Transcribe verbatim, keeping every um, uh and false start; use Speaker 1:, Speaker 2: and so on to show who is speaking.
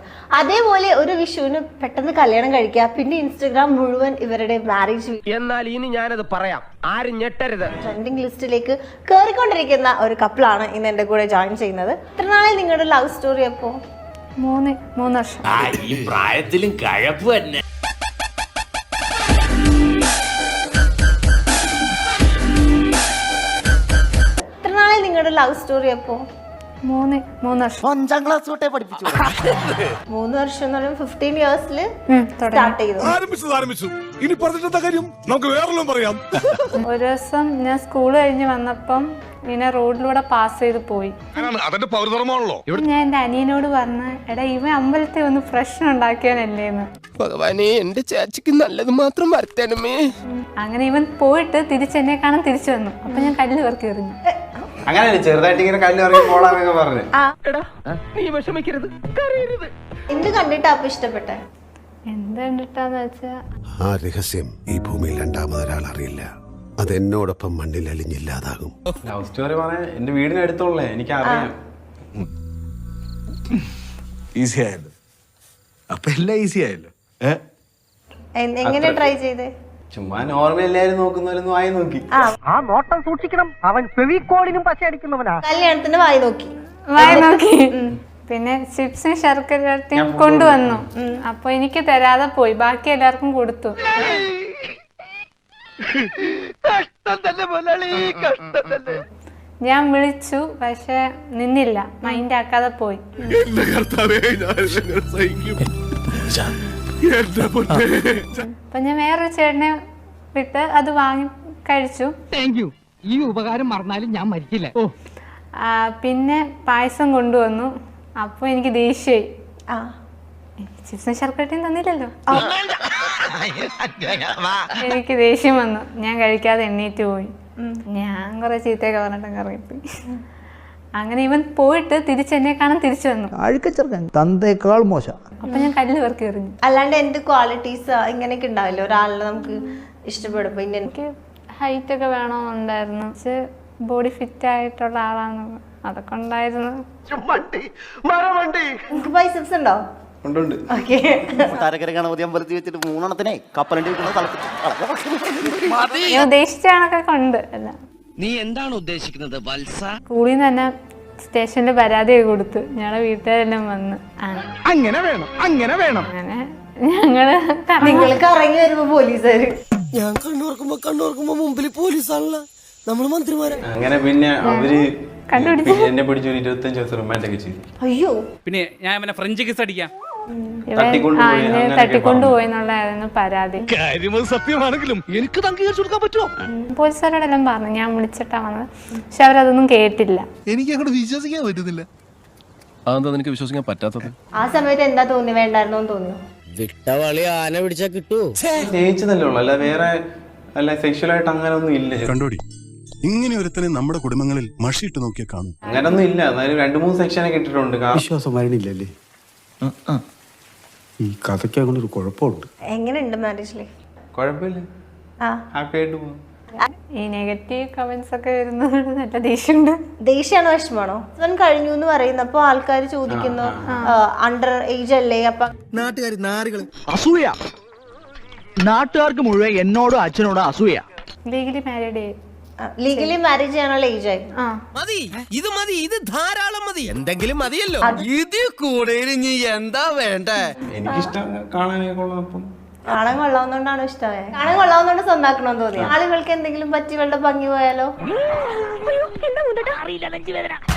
Speaker 1: അതേപോലെ ഒരു വിഷുവിന് പെട്ടെന്ന് കല്യാണം കഴിക്കുക, പിന്നെ ഇൻസ്റ്റഗ്രാം മുഴുവൻ ഇവരുടെ മാരേജ്.
Speaker 2: എന്നാൽ ഇനി ഞാനത് പറയാം, ആരും ഞെട്ടരുത്.
Speaker 1: ട്രെൻഡിങ് ലിസ്റ്റിലേക്ക് കയറിക്കൊണ്ടിരിക്കുന്ന ഒരു കപ്പിളാണ് ഇന്ന് എന്റെ കൂടെ ജോയിൻ ചെയ്യുന്നത്. ഇത്ര നാളെ നിങ്ങളുടെ ലവ് സ്റ്റോറി അപ്പോ?
Speaker 3: മൂന്ന് മൂന്ന് വർഷം.
Speaker 4: ഈ പ്രായത്തിലും കഴപ്പ് തന്നെ.
Speaker 1: നിങ്ങളുടെ ലവ് സ്റ്റോറി അപ്പോ?
Speaker 3: മൂന്ന് മൂന്ന് വർഷം.
Speaker 5: അഞ്ചാം ക്ലാസ് തൊട്ടേ പഠിപ്പിച്ചു.
Speaker 1: മൂന്ന് വർഷം എന്ന് പറയുമ്പോൾ ഫിഫ്റ്റീൻ ഇയേഴ്സില് സ്റ്റാർട്ട് ചെയ്തു.
Speaker 6: ഇനി പറഞ്ഞിട്ട് കാര്യം നമുക്ക് വേറെല്ലാം പറയാം.
Speaker 3: ഒരു ദിവസം ഞാൻ സ്കൂൾ കഴിഞ്ഞ് വന്നപ്പം ഇങ്ങനെ റോഡിലൂടെ പാസ് ചെയ്ത് പോയി.
Speaker 6: അതിന്റെ പൗരധർമ്മമാണല്ലോ.
Speaker 3: ഞാൻ എന്റെ അനിയനോട് പറഞ്ഞ, എടാ ഇവൻ അമ്പലത്തിൽ ഒന്ന് പ്രശ്നം ഉണ്ടാക്കിയവനല്ലേന്ന്.
Speaker 2: ഭഗവാനെ, എന്റെ ചേച്ചിക്ക് നല്ലത് മാത്രം വരുത്തണമേ.
Speaker 3: അങ്ങനെ ഇവൻ പോയിട്ട് തിരിച്ചെന്നെ കാണാൻ തിരിച്ചു വന്നു. അപ്പൊ ഞാൻ കല്ല് പെറുക്കി എറിഞ്ഞു.
Speaker 7: അങ്ങനെ ചെറുതായിട്ട് ഇങ്ങനെ കല്ല് ഇറങ്ങി പോടാന്നൊക്കെ പറഞ്ഞു.
Speaker 2: നീ വിഷമിക്കരുത്, കരയരുത്.
Speaker 1: എന്ത് കണ്ടിട്ടാ അപ്പൊ ഇഷ്ടപ്പെട്ടെ?
Speaker 3: എന്ത് കണ്ടിട്ടാന്ന് വെച്ചാ,
Speaker 6: ആ രഹസ്യം ഈ ഭൂമിയിൽ രണ്ടാമതൊരാൾ അറിയില്ല. അത് എന്നോടൊപ്പം മണ്ണിൽ അലിഞ്ഞില്ലാതാകും.
Speaker 7: ലവ് സ്റ്റോറി പറയാൻ എന്റെ വീടിനടുത്തുള്ളേ, എനിക്ക് അറിയാം.
Speaker 6: ഈസി ആയല്ലോ. അപ്പൊ എല്ലാം ഈസി ആയല്ലോ.
Speaker 1: എങ്ങനെ ട്രൈ ചെയ്തേ?
Speaker 7: ചുമ്മാ നോർമൽ എല്ലാരും നോക്കുന്നവരൊന്നും ആയി നോക്കി.
Speaker 5: ആ നോട്ടം സൂക്ഷിക്കണം, അവൻ ഫെവിക്കോളിനും പശ അടിക്കുന്നവനാ.
Speaker 1: കല്യാണത്തിന് വായി നോക്കി
Speaker 3: വായി നോക്കി. പിന്നെ ചിപ്സും ശർക്കരയും കൊണ്ടുവന്നു. അപ്പൊ എനിക്ക് തരാതെ പോയി, ബാക്കി എല്ലാവർക്കും കൊടുത്തു. ഞാൻ വിളിച്ചു, പക്ഷെ നിന്നില്ല, മൈൻഡ് ആക്കാതെ പോയി. അപ്പൊ ഞാൻ വേറൊരു ചേട്ടനെ വിട്ട് അത് വാങ്ങി കഴിച്ചു.
Speaker 5: ഈ ഉപകാരം മറന്നാലും ഞാൻ മരിക്കില്ല.
Speaker 3: പിന്നെ പായസം കൊണ്ടുവന്നു. അപ്പൊ എനിക്ക് ദേഷ്യായി. ചിപ്സും ശർക്കരയും തന്നില്ലല്ലോ. എനിക്ക് ദേഷ്യം വന്നു. ഞാൻ കഴിക്കാതെ എണ്ണീറ്റ് പോയി. ഞാൻ കുറെ ചീത്തയൊക്കെ പറഞ്ഞിട്ടൊക്കെ ഇറങ്ങിപ്പോയി. അങ്ങനെ ഇവൻ പോയിട്ട് തിരിച്ചെന്നെ കാണാൻ തിരിച്ചു വന്നു.
Speaker 5: തന്തേക്കാൾ മോശം.
Speaker 3: അപ്പൊ ഞാൻ കല്ല് പെറുക്കി എറിഞ്ഞു.
Speaker 1: അല്ലാണ്ട് എന്ത് ക്വാളിറ്റീസ് ഇങ്ങനെയൊക്കെ ഉണ്ടാവില്ലോ ഒരാളിനെ നമുക്ക് ഇഷ്ടപ്പെടുമ്പോ?
Speaker 3: എനിക്ക് ഹൈറ്റ് ഒക്കെ വേണമെന്നുണ്ടായിരുന്നു, ബോഡി ഫിറ്റ് ആയിട്ടുള്ള ആളാണ്, അതൊക്കെ ഉണ്ടായിരുന്നു.
Speaker 1: ബൈസെപ്സ് ഉണ്ടോ?
Speaker 7: ഉണ്ടുണ്ട്.
Speaker 5: താരക്കര ഗണപതി അമ്പലത്തിൽ വെച്ചിട്ട് മൂന്നെണ്ണത്തിനെ കപ്പലണ്ടി
Speaker 3: ഉദ്ദേശിച്ച കണക്കൊക്കെ ഉണ്ട്. എല്ലാം.
Speaker 4: നീ എന്താണ് ഉദ്ദേശിക്കുന്നത് വത്സ?
Speaker 3: സ്കൂളിൽ നിന്ന് തന്നെ സ്റ്റേഷനിൽ പരാതിയൊക്കെ കൊടുത്തു. ഞങ്ങളെ വീട്ടുകാരെല്ലാം വന്ന്
Speaker 5: അങ്ങനെ വേണം അങ്ങനെ വേണം
Speaker 3: അങ്ങനെ ഞങ്ങള്
Speaker 1: നിങ്ങൾക്ക് ഇറങ്ങി വരുമ്പോ പോലീസുകാര്.
Speaker 4: ഞാൻ കണ്ണോർക്കുമ്പോ കണ്ണോർക്കുമ്പോ മുമ്പിൽ പോലീസാണല്ലോ, നമ്മള് മന്ത്രിമാരെ.
Speaker 7: അങ്ങനെ പിന്നെ അവര് എന്നെ പിടിച്ച് ഒരു ഇരുപത്തഞ്ച് ദിവസം റിമാൻഡ് ഒക്കെ ചെയ്തു.
Speaker 1: അയ്യോ.
Speaker 8: പിന്നെ ഞാൻ പിന്നെ ഫ്രഞ്ച് കിസ് അടിക്കാം.
Speaker 3: തട്ടിക്കൊണ്ടുപോയെന്നുള്ളതായിരുന്നു പരാതി.
Speaker 6: സത്യമാണെങ്കിലും എനിക്ക് അംഗീകരിച്ചു കൊടുക്കാൻ പറ്റുമോ?
Speaker 3: പോലീസുകാരോടെല്ലാം പറഞ്ഞു ഞാൻ വിളിച്ചിട്ടാ വന്നത്, പക്ഷെ അവരതൊന്നും കേട്ടില്ല.
Speaker 6: എനിക്ക് അങ്ങോട്ട് വിശ്വസിക്കാൻ പറ്റുന്നില്ല.
Speaker 9: അതെന്താ നിനക്ക് വിശ്വസിക്കാൻ പറ്റാത്തത്?
Speaker 1: ആ സമയത്ത് എന്താ തോന്നി? വേണ്ടായിരുന്നോ തോന്നിയോ?
Speaker 4: വിട്ടവളി ആന പിടിച്ചാ കിട്ടൂ.
Speaker 7: സ്നേഹിച്ചതല്ലേ ഉള്ളു, അല്ല വേറെ അല്ല സെക്ഷുവലായിട്ട് അങ്ങനെ ഒന്നും ഇല്ല.
Speaker 6: കണ്ടോടി, ഇങ്ങനെ ഒരുത്തനെ നമ്മുടെ കുടുംബങ്ങളിൽ മഷിയിട്ട് നോക്കിയാൽ കാണും.
Speaker 7: അങ്ങനെ ഒന്നും ഇല്ല. എന്നാലും രണ്ടു മൂന്ന് സെക്ഷനൊക്കെ ഇട്ടിട്ടുണ്ട്.
Speaker 10: വിശ്വാസം വരണില്ലല്ലേ? ഈ കഥയ്ക്ക് അങ്ങനെ ഒരു കുഴപ്പമുണ്ട്.
Speaker 1: എങ്ങനെയുണ്ട് മാരേജ് ലൈഫ്?
Speaker 7: കുഴപ്പമില്ല, ഹാപ്പി ആയിട്ട് പോകും.
Speaker 3: ഈ നെഗറ്റീവ് കമന്റ്സ് ഒക്കെ വരുന്നത് നല്ല ദേഷ്യമുണ്ട്.
Speaker 1: ദേഷ്യാണോ വിഷമാണോ? ഇവൻ കഴിഞ്ഞു എന്ന് പറയുന്നപ്പോ ആൾക്കാർ ചോദിക്കുന്നു അണ്ടർ ഏജ് അല്ലേ? അപ്പൊ
Speaker 5: നാട്ടുകാർ നാറികള് അസൂയ, നാട്ടുകാർക്ക് മുഴുവൻ എന്നോടും അച്ഛനോടും അസൂയ.
Speaker 3: Legally married.
Speaker 1: ലീഗലി മാരേജ് ചെയ്യാനുള്ള ഏജ് ആയി.
Speaker 4: മതി, ഇത് മതി, ഇത് ധാരാളം മതി. എന്തെങ്കിലും മതിയല്ലോ. ഇത് കൂടെ ഇനി എന്താ വേണ്ടേ?
Speaker 7: എനിക്കിഷ്ടം കാണാനൊക്കെ കൊള്ളാം. അപ്പം
Speaker 1: കാണാൻ കൊള്ളാവുന്നോണ്ടാണോ ഇഷ്ടമായത്? കാണാൻ കൊള്ളാവുന്നോണ്ട് സ്വന്താക്കണമെന്ന് തോന്നി? ആളുകൾക്ക് എന്തെങ്കിലും പറ്റി വെള്ള ഭംഗി പോയാലോ?